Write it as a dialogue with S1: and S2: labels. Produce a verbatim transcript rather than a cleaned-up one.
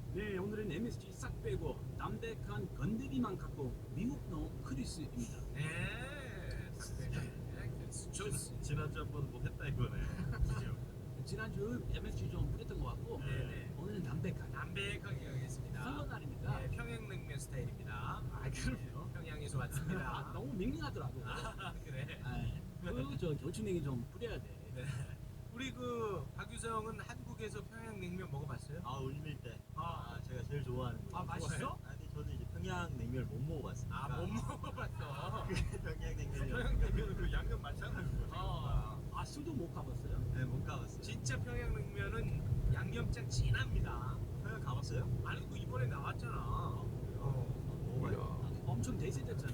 S1: 네, 오늘은 엠에스지 싹 빼고 담백한 건더기만 갖고 미국노 크리스입니다.
S2: 네, 네,
S1: 저
S3: 지난주 한번 뭐 했다 이거네. 그죠?
S1: 지난주 엠에스지 좀 뿌렸던 것 같고
S3: 네.
S1: 오늘은 담백하게
S2: 담백하게 가겠습니다.
S1: 설날입니다.
S2: 네, 평양냉면 스타일입니다.
S1: 아, 그럼요.
S2: 평양에서
S1: 아,
S2: 왔습니다.
S1: 너무 밍밍하더라고.
S2: 아, 그래.
S1: 그저 겨추냉이 좀 뿌려야 돼.
S2: 네. 우리 그 박유성은 한국에서 평양냉면 먹어봤어요?
S3: 아 울밀 때.
S2: 아.
S3: 아 제가 제일 좋아하는 거.
S2: 아, 맛있어?
S3: 아니 저는 이제 평양냉면을 못 먹어봤으니까.
S2: 아, 못 먹어봤어.
S3: 평양냉면이.
S2: 평양냉면은
S3: 그 양념 마찬가지 거죠.
S2: 어,
S1: 아, 술도 못 가봤어요?
S3: 네, 못 가봤어요.
S2: 진짜 평양냉면은 양념장 진합니다.
S3: 평양 가봤어요?
S2: 아니, 그 이번에 나왔잖아.
S3: 어. 먹어봐요.
S1: 엄청 대세됐잖아.